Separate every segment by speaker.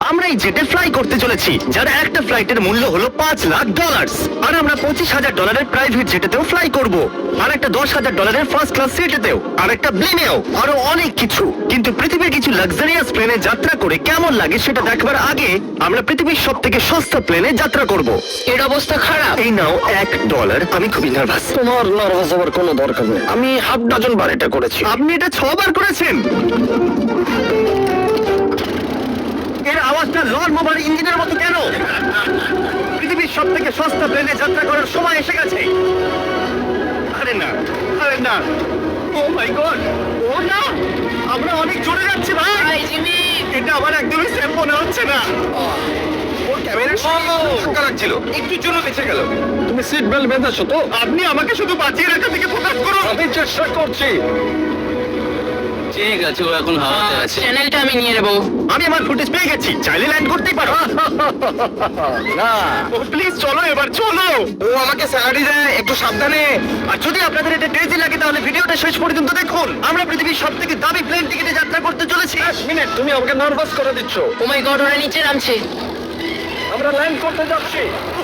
Speaker 1: আমরা এই জেটে ফ্লাই করতে চলেছি, যার একটা ফ্লাইটের মূল্য হলো $5,00,000। আর আমরা $25,000 প্রাইভেট জেটেতেও ফ্লাই করব, আর একটা $10,000 ফার্স্ট ক্লাস সিটেতেও, আর একটা প্লেনেও, আরো অনেক কিছু। কিন্তু পৃথিবীর কিছু লাক্সারিয়াস প্লেনে যাত্রা করে কেমন লাগে সেটা দেখবার আগে আমরা পৃথিবীর সব থেকে সস্তা প্লেনে যাত্রা করব।
Speaker 2: এর অবস্থা খারাপ।
Speaker 1: এই নাও $1। আমি খুবই নার্ভাস।
Speaker 3: তোমার নার্ভাস হওয়ার কোনো দরকার নেই, আমি হাফ ডজন বার এটা করেছি।
Speaker 1: আপনি এটা 6 বার করেছেন। এর আওয়াজটা লন মোবার ইঞ্জিনের মতো কেন? পৃথিবীর সব থেকে সস্তা প্লেনে যাত্রা করার সময় এসে গেছে। আরে না, আরে না, ও মাই গড, ও না, আমরা অনেক জোরে যাচ্ছি ভাই।
Speaker 2: Hi Jimmy.
Speaker 1: এটা আমার একদমই সেফ মনে হচ্ছে না।
Speaker 3: ওর ক্যামেরার সামনে ধাক্কা লাগছিল, একটুর জন্য বেঁচে গেল। তুমি সিট বেল্ট বেঁধেছো তো?
Speaker 1: আপনি আমাকে শুধু বাঁচিয়ে রাখার দিকে ফোকাস করুন।
Speaker 3: আমি চেষ্টা করছি।
Speaker 4: ঠিক আছে, ও এখন হাওয়াতে আছে।
Speaker 2: চ্যানেলটা আমি নিয়ে নেবো।
Speaker 1: আমি আমার ফুটেজ পেয়ে গেছি, চাইলে ল্যান্ড করতেই পারো।
Speaker 3: না,
Speaker 1: প্লিজ চলো, এবার চলো।
Speaker 3: ও আমাকে স্যালারি দেয়, একটু সাবধানে।
Speaker 1: আর যদি আপনাদের এটা ক্রেজি লাগে তাহলে ভিডিওটা শেষ পর্যন্ত দেখুন। আমরা পৃথিবীর সব থেকে দামি প্লেন টিকিটে যাত্রা করতে চলেছি।
Speaker 3: 1 মিনিট, তুমি আমাকে নার্ভাস করে দিচ্ছ।
Speaker 2: ও মাই গড, ওরা নিচে নামছে।
Speaker 3: আমরা ল্যান্ড করতে যাচ্ছি।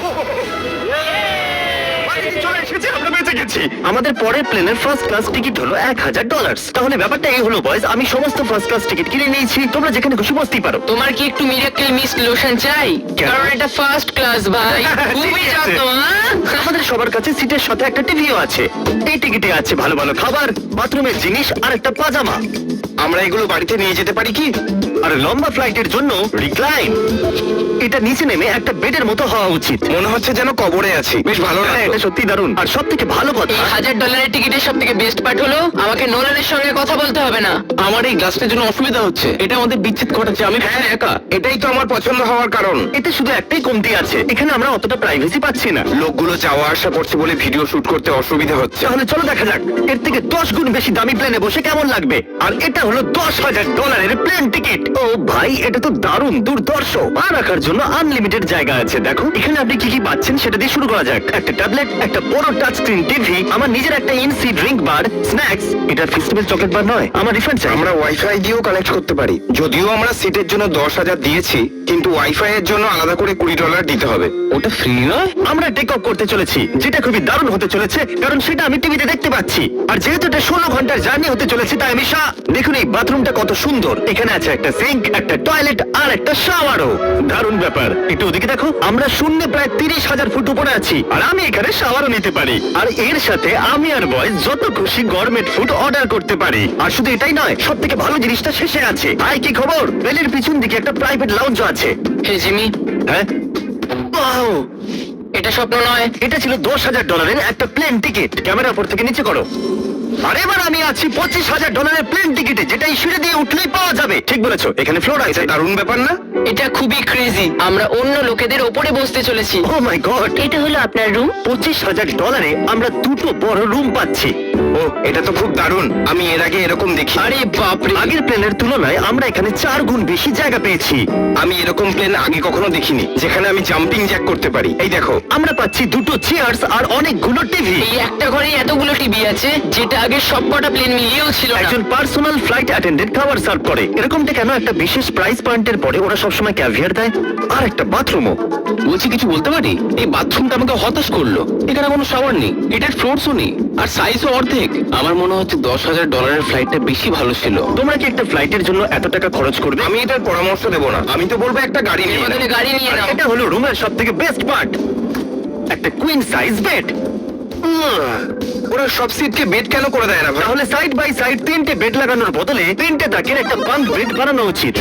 Speaker 1: বাড়িতে চলে এসেছি, আমরা বেঁচে গেছি। আমাদের পরের প্লেনের ফার্স্ট ক্লাস টিকিট হলো $1,000। তাহলে ব্যাপারটা এই হলো বয়স, আমি সমস্ত ফার্স্ট ক্লাস টিকিট কিনে নিয়েছি, তোমরা যেখানে খুশি বসতেই পারো।
Speaker 2: তোমার কি একটু মিরাকেল মিস লোশন চাই?
Speaker 1: কেন?
Speaker 2: কারণ এটা ফার্স্ট ক্লাস ভাই। খুবই
Speaker 1: ঠিক আছে।
Speaker 2: যত্ন, হ্যাঁ?
Speaker 1: আমাদের সবার কাছে সিটের সাথে একটা টিভিও আছে। এই টিকিটে আছে ভালো ভালো খাবার, বাথরুমের জিনিস আর একটা পাজামা।
Speaker 3: আমরা এগুলো বাড়িতে নিয়ে যেতে পারি কি?
Speaker 1: আর লম্বা ফ্লাইটের জন্য রিক্লাইন। এটা নিচে নেমে একটা বেডের মতো হওয়া উচিত।
Speaker 3: মনে হচ্ছে যেন কবরে আছি। বেশ ভালো
Speaker 1: হ্যাঁ,
Speaker 3: লাগলো।
Speaker 1: এটা সত্যি দারুণ। আর সব থেকে ভালো কথা,
Speaker 2: এই $1,000 টিকিটের সব থেকে বেস্ট পার্ট হলো আমাকে নোলানের সঙ্গে কথা বলতে হবে না।
Speaker 4: আমার এই গ্লাসটার জন্য অসুবিধা হচ্ছে, এটা আমাদের বিচ্ছেদ ঘটাচ্ছে। আমি
Speaker 3: হ্যাঁ,
Speaker 4: একা।
Speaker 3: এটাই তো আমার পছন্দ হওয়ার কারণ।
Speaker 1: এতে শুধু একটাই কমতি আছে, এখানে আমরা অতটা প্রাইভেসি পাচ্ছি না।
Speaker 3: লোকগুলো যাওয়া আসা করছে বলে ভিডিও শুট করতে অসুবিধা হচ্ছে।
Speaker 1: তাহলে চলো দেখা যাক এর থেকে 10 গুণ বেশি দামি প্লেনে বসে কেমন লাগবে। আর এটা হলো $10,000 প্লেন টিকিট। ও ভাই, এটা তো দারুণ দুর্ধর্ষ। পা রাখার জন্য আনলিমিটেড জায়গা আছে। দেখো এখানে আপনি কি কি পাচ্ছেন সেটা দিয়ে শুরু করা যাক। একটা ট্যাবলেট, একটা বড় টাচ স্ক্রিন টিভি, আমার নিজের একটা ইনসি ড্রিঙ্ক বার, স্ন্যাক্স। এটা ফেস্টিভ্যাল চকলেট বার নয়, আমার রিফান্ড চাই।
Speaker 3: আমরা ওয়াইফাই দিয়েও কানেক্ট করতে পারি। যদিও আমরা সিটের জন্য 10,000 দিয়েছি, কিন্তু ওয়াইফাই এর জন্য আলাদা করে $20 দিতে হবে।
Speaker 4: ওটা ফ্রি নয়?
Speaker 1: আমরা টেক অফ করতে চলেছি, যেটা খুবই দারুণ হতে চলেছে, কারণ সেটা আমি টিভিতে দেখতে পাচ্ছি। আর যেহেতু এটা 16 ঘন্টার জার্নি হতে চলেছে, তাই আমি দেখুন এই বাথরুমটা কত সুন্দর। এখানে আছে একটা সিঙ্ক, একটা টয়লেট আর একটা শাওয়ারও। দারুণ ব্যাপার। একটু ওদিকে দেখো, আমরা শূন্যে প্রায় 30,000 ফুট উপরে আছি, আর আমি এখানে শাওয়ারও নিতে পারি। আর এর সাথে আমি আর বয়স যত খুশি গরমেট ফুড অর্ডার করতে পারি। আর শুধু এটাই নয়, সব থেকে ভালো জিনিসটা শেষে আছে। ভাই কি খবর? বেলের পিছন দিকে একটা প্রাইভেট লাউঞ্জ আছে।
Speaker 2: হে জিমি,
Speaker 1: হ্যাঁ, Wow!
Speaker 2: এটা স্বপ্ন নয়।
Speaker 1: এটা ছিল $10,000 একটা প্লেন টিকিট। ক্যামেরা উপর থেকে নিচে করো। আর এবার আমি আছি $25,000 প্লেন টিকিটে, যেটা এই সিঁড়ি দিয়ে উঠলেই পাওয়া যাবে। ঠিক বলেছো, এখানে ফ্লোর আছে।
Speaker 3: এটা দারুণ ব্যাপার না?
Speaker 2: এটা খুবই ক্রেজি। আমরা অন্য লোকেদের ওপরে বসতে চলেছি।
Speaker 1: ও মাই গড,
Speaker 2: এটা হলো আপনার রুম।
Speaker 1: $25,000 আমরা দুটো বড় রুম পাচ্ছি।
Speaker 3: ও, এটা তো খুব দারুণ। আমি এর আগে এরকম দেখি।
Speaker 2: আরে বাপরে।
Speaker 1: আগের প্লেনের তুলনায় আমরা এখানে 4 গুণ বেশি জায়গা পেয়েছি।
Speaker 3: আমি এরকম প্লেন আগে কখনো দেখিনি, যেখানে আমি জাম্পিং জ্যাক করতে পারি। এই দেখো,
Speaker 1: আমরা পাচ্ছি দুটো চেয়ার্স আর অনেকগুলো টিভি।
Speaker 2: এই একটা ঘরে এতগুলো টিভি আছে, যেটা আগে সবকটা প্লেন মিলিয়েও ছিল না।
Speaker 1: একজন পার্সোনাল ফ্লাইট অ্যাটেন্ডেন্ট খাবার সার্ভ করে। এরকমটা কেন? একটা বিশেষ প্রাইস পয়েন্টের পরে ওরা সবসময় ক্যাভিয়ার দেয়। আর একটা বাথরুমও।
Speaker 4: বলছি কিছু বলতে পারি? এই বাথরুমটা আমাকে হতাশ করলো। এখানে কোনো শাওয়ার নেই, এটার ফ্লোরসও নেই, আর সাইজও অর্ধেক। আমার মনে হচ্ছে $10,000 ফ্লাইটটা বেশি ভালো ছিল।
Speaker 1: তোমরা কি একটা ফ্লাইটের জন্য এত টাকা খরচ করবে?
Speaker 3: আমি এটার পরামর্শ দেবো না। আমি তো বলবো একটা গাড়ি
Speaker 2: এর
Speaker 3: নিয়ে নাও।
Speaker 2: বদলে গাড়ি নিয়ে
Speaker 1: আর
Speaker 2: নাও।
Speaker 1: এটা হলো রুমের সব থেকে বেস্ট পার্ট, একটা কুইন সাইজ বেড।
Speaker 3: ওরা সব সিটকে বেড কেন করে দেয় না ভাই?
Speaker 1: তাহলে সাইড বাই সাইড 3টে বেড লাগানোর বদলে 3টে তাকের একটা বাঙ্ক বেড বানানো উচিত।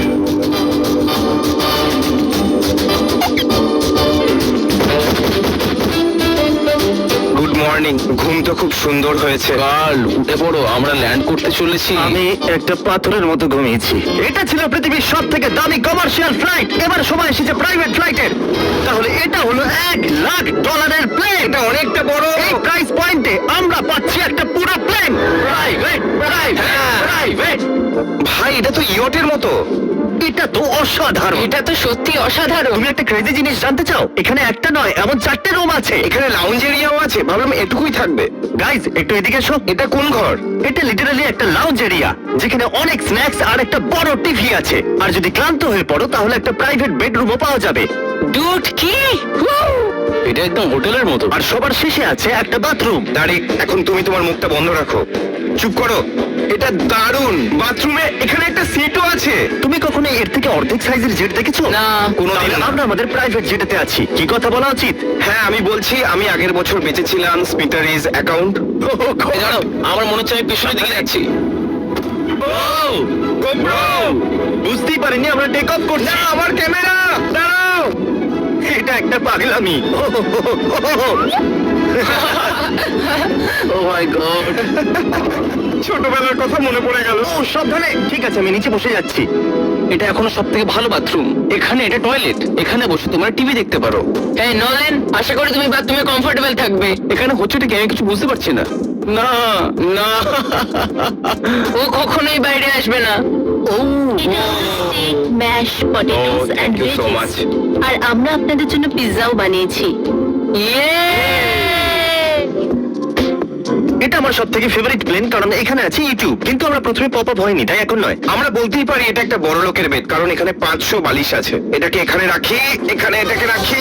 Speaker 3: Good morning. ঘুম তো খুব সুন্দর হয়েছে।
Speaker 4: কাল উঠে পড়ো, আমরা ল্যান্ড করতে চলেছি।
Speaker 1: আমি একটা পাথরের মতো ঘুমিয়েছি। এটা ছিল পৃথিবীর সব থেকে দামি কমার্শিয়াল ফ্লাইট। এবার সময় এসেছে প্রাইভেট ফ্লাইটের। তাহলে এটা হলো $1,00,000 প্লেন।
Speaker 3: এটা অনেকটা বড়।
Speaker 1: এই প্রাইস পয়েন্টে আমরা পাচ্ছি একটা পুরো প্লেন। Private, private, private.
Speaker 3: ভাই, এটা তো ইয়টের মতো।
Speaker 1: এটা তো অসাধারণ।
Speaker 2: এটা তো সত্যি অসাধারণ।
Speaker 1: তুমি একটা ক্রেজি জিনিস জানতে চাও? এখানে একটা নয়, এমন 4টে রুম আছে।
Speaker 3: এখানে লাউঞ্জ এরিয়াও আছে। ভাবলাম একটু এইটুকুই থাকবে।
Speaker 1: গাইজ একটু এদিকে এসো।
Speaker 3: এটা কোন ঘর?
Speaker 1: এটা লিটারালি একটা লাউঞ্জ এরিয়া যেখানে অনেক স্ন্যাক্স আর একটা বড় টিভি আছে। আর যদি ক্লান্ত হয়ে পড়ো তাহলে একটা প্রাইভেট বেডরুমও পাওয়া যাবে।
Speaker 2: ডুড কি?
Speaker 4: এটা একদম হোটেলের মতো।
Speaker 1: আর সবার শেষে আছে একটা বাথরুম।
Speaker 3: দাঁড়ি, এখন তুমি তোমার মুখটা বন্ধ রাখো। চুপ করো। এটা দারুণ। বাথরুমে এখানে একটা সিটও আছে।
Speaker 1: তুমি কখনো এর থেকে অর্ধেক সাইজের জেট দেখেছো?
Speaker 2: না।
Speaker 3: কোনোদিন
Speaker 1: তাহলে
Speaker 3: না।
Speaker 1: আমরা আমাদের প্রাইভেট জেটেতে আছি। কি কথা বলা উচিত?
Speaker 3: হ্যাঁ, আমি বলছি আমি আগের বছর বেঁচেছিলাম স্পিটারিজ অ্যাকাউন্ট।
Speaker 4: এই দাঁড়াও, আমার মনে হচ্ছে আমি পেছনের দিকে যাচ্ছি।
Speaker 1: বুঝতেই পারিনি আমরা টেক অফ করছি।
Speaker 3: না, আমার ক্যামেরা। দাঁড়াও।
Speaker 1: এটা একটা পাগলামি।
Speaker 4: Oh my god.
Speaker 3: ছোটবেলার কথা মনে পড়ে গেল।
Speaker 1: ও সাবধানে। ঠিক আছে, আমি নিচে বসে যাচ্ছি।
Speaker 4: এটা এখনো সব থেকে ভালো বাথরুম। এখানে এটা টয়লেট। এখানে বসে তোমরা টিভি দেখতে পারো।
Speaker 2: এই নোলেন, আশা করি তুমি বাথরুমে কমফোর্টেবল থাকবে।
Speaker 4: এখানে হচ্ছেটা কি আমি কিছু বুঝতে পারছি না। না না।
Speaker 2: ও কখনোই বাইরে আসবে না।
Speaker 5: Mash potatoes
Speaker 3: Oh,
Speaker 5: and
Speaker 3: thank you so much.
Speaker 5: আর আমরা আপনাদের জন্য পিৎজাও বানিয়েছি।
Speaker 2: ইয়ে!
Speaker 1: এটা আমার সব থেকে ফেভারিট প্লেন, কারণ এখানে আছে ইউটিউব। কিন্তু আমরা প্রথমে পপ আপ হয়নি, তাই এখন নয়।
Speaker 3: আমরা বলতেই পারি এটা একটা বড় লোকের বেড, কারণ এখানে 500 বালিশ আছে। এটাকে এখানে রাখি, এখানে এটাকে রাখি।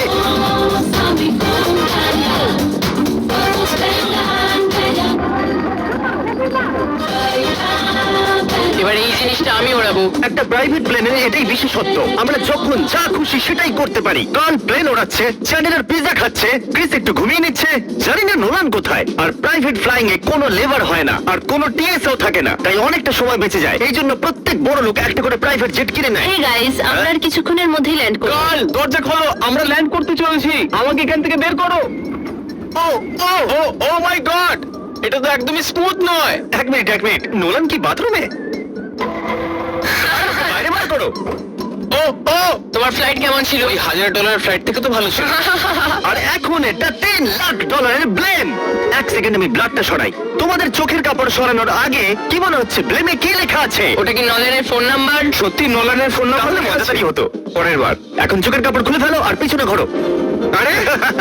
Speaker 2: এবার এই জিনিসটা আমি ওড়াবো।
Speaker 1: একটা প্রাইভেট প্লেনের এটাই বিশেষত্ব, আমরা যখন যা খুশি সেটাই করতে পারি। কারণ প্লেন ওড়াচ্ছে, চ্যানেলের পিজা খাচ্ছে, ক্রিস একটু ঘুমিয়ে নিচ্ছে, জানি না নোলান কোথায়। আর প্রাইভেট ফ্লাইং এ কোনো লেবার হয় না, আর কোনো টিএসও থাকে না, তাই অনেকটা সময় বেঁচে যায়। এই জন্য প্রত্যেক বড় লোক একটা করে প্রাইভেট জেট কিনে নেয়।
Speaker 5: হে গাইস, আমরা আর কিছুক্ষণের মধ্যেই ল্যান্ড করব।
Speaker 4: কাল দরজা খোলো, আমরা ল্যান্ড করতে চলেছি। আমাকে এখান থেকে বের করো। ও ও ও ও মাই গড, এটা তো একদমই স্মুথ নয়।
Speaker 1: এক মিনিট, নোলান কি বাথরুমে? বাইরে বার করো।
Speaker 4: ও ও,
Speaker 2: তোমার ফ্লাইট কেমন ছিল?
Speaker 4: ওই $1000 ফ্লাইট থেকে তো ভালো ছিল।
Speaker 1: আর এখন এটা $10 লাখ ব্লেম। এক সেকেন্ড আমি ব্লাডটা সরাই। তোমাদের চোখের কাপড় সরানোর আগে কি মনে হচ্ছে ব্লেমে কি লেখা আছে?
Speaker 2: ওটা কি নলেনের ফোন নাম্বার?
Speaker 3: সত্যি নোলানের ফোন নাম্বার
Speaker 1: তাহলে
Speaker 3: লেখা আছে?
Speaker 1: মজাদারই হতো।
Speaker 3: পরের বার।
Speaker 1: এখন চোখের কাপড় খুলে ফেলো আর পিছনে ঘোরো।
Speaker 3: আরে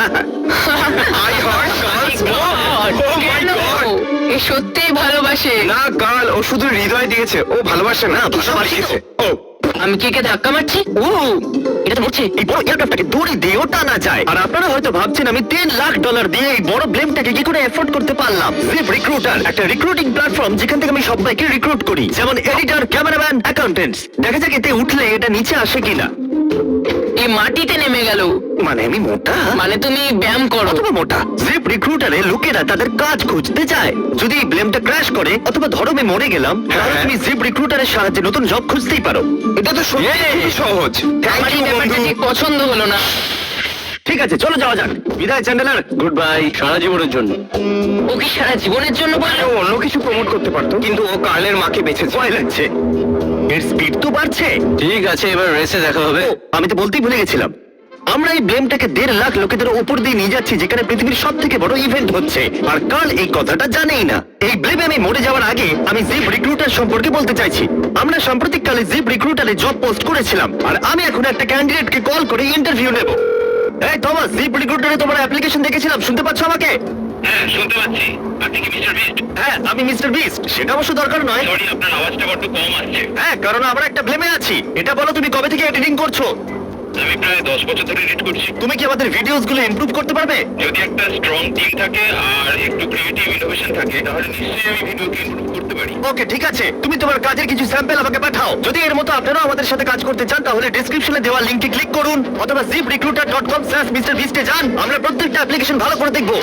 Speaker 3: I heart girls. Oh my
Speaker 2: কেন?
Speaker 3: গড।
Speaker 2: এ সত্যিই ভালোবাসে।
Speaker 3: না গার্ল, ও শুধু হৃদয় দিয়েছে, ও ভালোবাসে না,
Speaker 1: ভালোবাসি তো।
Speaker 3: ও
Speaker 2: আমি কি কে ধাক্কা মারছি? ও, এটা তো মরছে।
Speaker 1: এই বড় এয়ারক্রাফটটাকে দড়ি দিয়েও টানা যায়। আর আপনারা হয়তো ভাবছেন আমি $10 লাখ দিয়ে এই বড় ব্লেমটাকে কি করে এফোর্ড করতে পারলাম। জিপ রিক্রুটার একটা রিক্রুটিং প্ল্যাটফর্ম যেখান থেকে আমি সবাইকে রিক্রুট করি, যেমন এডিটর, ক্যামেরাম্যান, অ্যাকাউন্টেন্টস। দেখা যাক এতে উঠলে এটা নিচে আসে কিনা।
Speaker 2: এই মাটিতে নেমে গেল।
Speaker 1: মানে আমি মোটা,
Speaker 2: মানে তুমি ব্যায়াম করো।
Speaker 1: অথবা মোটা। জিপ রিক্রুটারে লোকেরা তাদের কাজ খুঁজতে যায়। যদি এই ব্লেমটা ক্র্যাশ করে অথবা ধরো আমি মরে গেলাম, তাহলে তুমি জিপ রিক্রুটারের সাহায্যে নতুন জব খুঁজতেই পারো।
Speaker 3: এটা তো সত্যি খুবই সহজ। থ্যাংক
Speaker 2: আমার এই
Speaker 3: ইউ
Speaker 2: ব্যাপারটা
Speaker 3: বন্ধু।
Speaker 2: ঠিক পছন্দ হলো না।
Speaker 1: ঠিক আছে, চলো যাওয়া যাক। বিদায় চ্যান্ডেলার।
Speaker 4: গুড বাই, সারা জীবনের জন্য।
Speaker 2: ও কি সারা জীবনের জন্য বললো?
Speaker 3: ও অন্য কিছু প্রমোট করতে পারতো, কিন্তু ও কার্লের মাকে বেঁচেছে।
Speaker 1: ভয় লাগছে। এর স্পিড তো বাড়ছে।
Speaker 4: ঠিক আছে, এবার রেসে দেখা হবে।
Speaker 1: আমি তো বলতেই ভুলে গেছিলাম, আমরা এই ব্লেমটাকে 1.5 লাখ লোকেদের উপর দিয়ে নিয়ে যাচ্ছি, যেখানে পৃথিবীর সব থেকে বড় ইভেন্ট হচ্ছে। আর কাল এই কথাটা জানেই না। এই ব্লেমে আমি মরে যাওয়ার আগে আমি জিপ রিক্রুটার সম্পর্কে বলতে চাইছি। আমরা সাম্প্রতিককালে জিপ রিক্রুটারে জব পোস্ট করেছিলাম, আর আমি এখন একটা ক্যান্ডিডেটকে কল করে ইন্টারভিউ নেব। এই থমাস, জিপ রিক্রুটারে তোমার অ্যাপ্লিকেশন দেখেছিলাম, শুনতে পাচ্ছ আমাকে?
Speaker 6: হ্যাঁ, শুনতে পাচ্ছি। আপনি কি মিস্টার বিস্ট?
Speaker 1: হ্যাঁ, আমি মিস্টার বিস্ট। সেটা অবশ্য দরকার নয়।
Speaker 6: সরি, আপনার আওয়াজটা বড্ড কম আসছে।
Speaker 1: হ্যাঁ, কারণ আমরা একটা ব্লেমে আছি। এটা বলো, তুমি কবে থেকে এডিটিং করছো?
Speaker 6: আমি প্রায় 10 বছর ধরে এডিট করছি।
Speaker 1: তুমি কি আমাদের ভিডিওস গুলো ইমপ্রুভ করতে পারবে?
Speaker 6: যদি একটা স্ট্রং টিম থাকে আর একটু ক্রিয়েটিভ ইনোভেশন থাকে, তাহলে নিশ্চয়ই আমি ভিডিওকে ইমপ্রুভ করতে পারি।
Speaker 1: ওকে, ঠিক আছে। তুমি তোমার কাজের কিছু স্যাম্পল আমাকে পাঠাও। যদি এর মতো আপনারাও আমাদের সাথে কাজ করতে চান, তাহলে ডেসক্রিপশনে দেওয়া লিংকে ক্লিক করুন অথবা ziprecruiter.com/mrbeast এ যান। আমরা প্রত্যেকটা অ্যাপ্লিকেশন ভালো করে দেখব।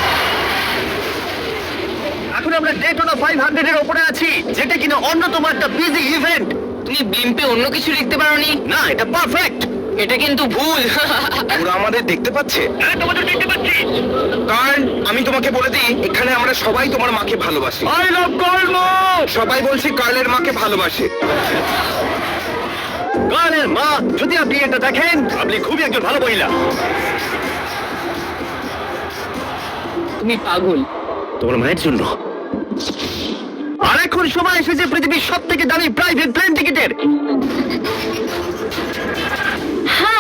Speaker 1: এখন আমরা ডেটোনা 500 এর উপরে আছি, যেটা কিনা অন্যতম একটা বিজি ইভেন্ট।
Speaker 2: তুমি ব্লিম্পে অন্য কিছু লিখতে পারোনি?
Speaker 1: না, এটা পারফেক্ট।
Speaker 2: এটা কিন্তু ভুল।
Speaker 3: ওরা আমাদের দেখতে পাচ্ছে।
Speaker 6: হ্যাঁ, তোমাদের দেখতে পাচ্ছি।
Speaker 3: কারণ আমি তোমাকে বলে দিই, এখানে আমরা সবাই তোমার মাকে ভালোবাসি।
Speaker 1: I love Karl.
Speaker 3: সবাই বলছি কার্লের মাকে ভালোবাসে।
Speaker 1: কার্লের মা, যদি আপনি এটা দেখেন, আপনি খুবই একজন ভালো মহিলা।
Speaker 2: তুমি পাগল।
Speaker 1: তোমার মায়ের জন্য। আর এখন সময় এসেছে পৃথিবীর সব থেকে দামি প্রাইভেট প্লেন টিকিটের।
Speaker 5: হাই,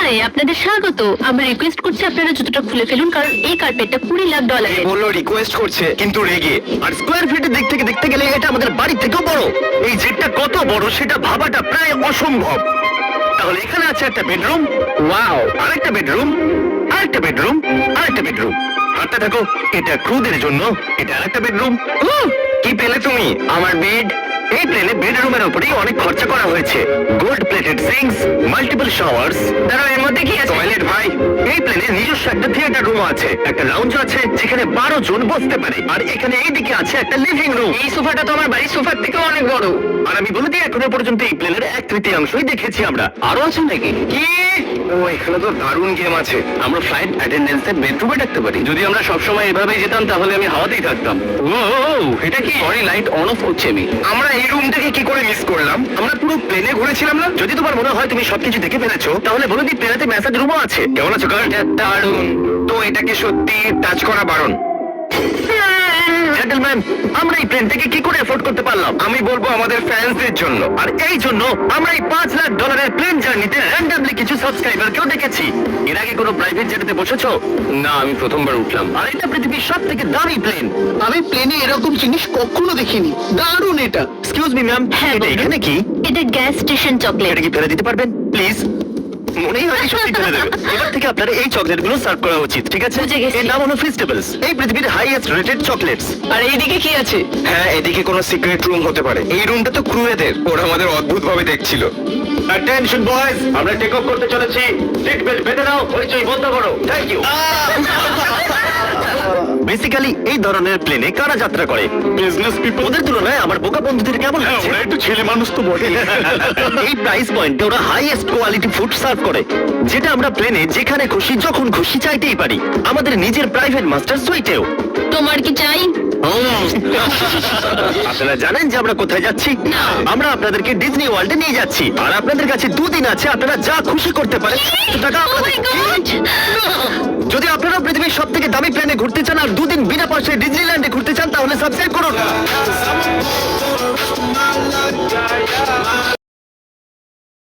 Speaker 5: হাই, আপনাদের স্বাগত। আমরা রিকোয়েস্ট করছি আপনারা জুতোটা খুলে ফেলুন, কারণ এই কার্পেটটা $20 লাখ।
Speaker 3: বললো রিকোয়েস্ট করছে কিন্তু রেগে।
Speaker 1: আর স্কোয়ার ফিটের দিক থেকে দেখতে গেলে এটা আমাদের বাড়ির থেকেও বড়। এই জেটটা কত বড় সেটা ভাবাটা প্রায় অসম্ভব। তাহলে এখানে আছে একটা বেডরুম, ওয়াও, আরেকটা বেডরুম, আরেকটা বেডরুম, আরেকটা বেডরুম। হাঁটতে থাকো, এটা ক্রুদের জন্য, এটা আরেকটা বেডরুম।
Speaker 3: কি পেলে তুমি?
Speaker 1: আমার বেড। এই প্লেনে বেডরুমের উপরেই অনেক খরচা করা হয়েছে। Gold plated sinks, multiple showers.
Speaker 2: দাঁড়াও, এর মধ্যে কি আছে?
Speaker 3: টয়লেট ভাই।
Speaker 1: এই প্লেনে নিজস্ব একটা থিয়েটার রুম আছে, একটা লাউঞ্জ আছে যেখানে 12 জন বসতে পারে, আর এখানে এইদিকে আছে একটা লিভিং রুম।
Speaker 2: এই সোফাটা তো আমার বাড়ির সোফার থেকেও অনেক বড়।
Speaker 1: আর আমি বলে দিই, এখনো পর্যন্ত এই প্লেনের 1/3 দেখেছি আমরা।
Speaker 4: আরো আছে নাকি?
Speaker 3: কি? ও এখানে তো দারুণ গেম আছে।
Speaker 4: আমরা ফ্লাইট অ্যাটেন্ডেন্সের বেডরুমে ডাকতে পারি। যদি আমরা সবসময় এভাবেই যেতাম তাহলে আমি হাওয়াতেই থাকতাম। ও এটা কি? সরি, লাইট অন অফ করছি আমি।
Speaker 3: আমরা এই রুম থেকে কি করে মিস করলাম? আমরা পুরো প্লেনে ঘুরেছিলাম না?
Speaker 1: যদি তোমার মনে হয় তুমি সবকিছু দেখে ফেলেছো, তাহলে বলে দিই প্লেনেতে ম্যাসাজ রুমও আছে। কেমন আছো গার্ড?
Speaker 3: দারুণ। তো এটাকে সত্যি টাচ করা বারণ।
Speaker 1: জেন্টলম্যান, আমরা এই প্লেন থেকে কি করে এফোর্ড করতে পারলাম?
Speaker 3: আমি বলবো আমাদের ফ্যান্সদের জন্য।
Speaker 1: আর এই জন্য আমরা এই $5 লাখ প্লেন জার্নিতে র্যান্ডমলি কিছু সাবস্ক্রাইবারকেও দেখেছি। এর আগে কোনো প্রাইভেট জেটেতে বসেছো?
Speaker 4: না, আমি প্রথমবার উঠলাম।
Speaker 1: আর এটা পৃথিবীর সব থেকে দামি প্লেন।
Speaker 7: আমি প্লেনে এরকম জিনিস কখনো দেখিনি। দারুণ এটা।
Speaker 1: এক্সকিউজ মি ম্যাম,
Speaker 5: হ্যাঁ,
Speaker 1: এটা
Speaker 5: বলুন।
Speaker 1: এখানে কি?
Speaker 5: এটা গ্যাস স্টেশন চকলেট।
Speaker 1: এটা কি ফেলে দিতে পারবেন প্লিজ? মনেই হয় সত্যি ফেলে দেবে। এবার থেকে আপনার এই চকলেট গুলো সার্ভ করা উচিত, ঠিক আছে?
Speaker 5: বুঝে গেছি।
Speaker 1: এর নাম হলো ফেস্টিভ্যালস, এই পৃথিবীর হাইয়েস্ট রেটেড চকলেটস।
Speaker 2: আর এইদিকে কি আছে?
Speaker 3: হ্যাঁ, এদিকে কোনো সিক্রেট রুম হতে পারে। এই রুমটা তো ক্রুয়েদের। ওরা আমাদের অদ্ভুত ভাবে দেখছিল।
Speaker 1: অ্যাটেনশন বয়েজ, আমরা টেক অফ করতে চলেছি। সিট বেল্ট বেঁধে নাও, হইচই বন্ধ করো। Thank you. বেসিক্যালি এই ধরনের প্লেনে কারা যাত্রা করে? Business people. ওদের তুলনায় আমার বোকা বন্ধুদের কেমন লাগছে? ওরা একটু ছেলে মানুষ তো বটে। এই প্রাইস পয়েন্টে ওরা হাইয়েস্ট কোয়ালিটি ফুড সার্ভ করে, যেটা আমরা প্লেনে যেখানে খুশি যখন খুশি চাইতেই পারি। আমাদের নিজের প্রাইভেট মাস্টার সুইটেও।
Speaker 5: তোমার কি চাই?
Speaker 1: আপনারা জানেন যে আমরা কোথায় যাচ্ছি? আমরা আপনাদেরকে ডিজনি ওয়ার্ল্ডে নিয়ে যাচ্ছি, আর আপনাদের কাছে 2 দিন আছে। আপনারা যা খুশি করতে পারেন। টাকা
Speaker 5: Oh my God!
Speaker 1: যদি আপনারা পৃথিবীর সব থেকে দামি প্লেনে ঘুরতে চান আর 2 দিন বিনা পয়সায় ডিজনিল্যান্ডে ঘুরতে চান, তাহলে সাবস্ক্রাইব করুন।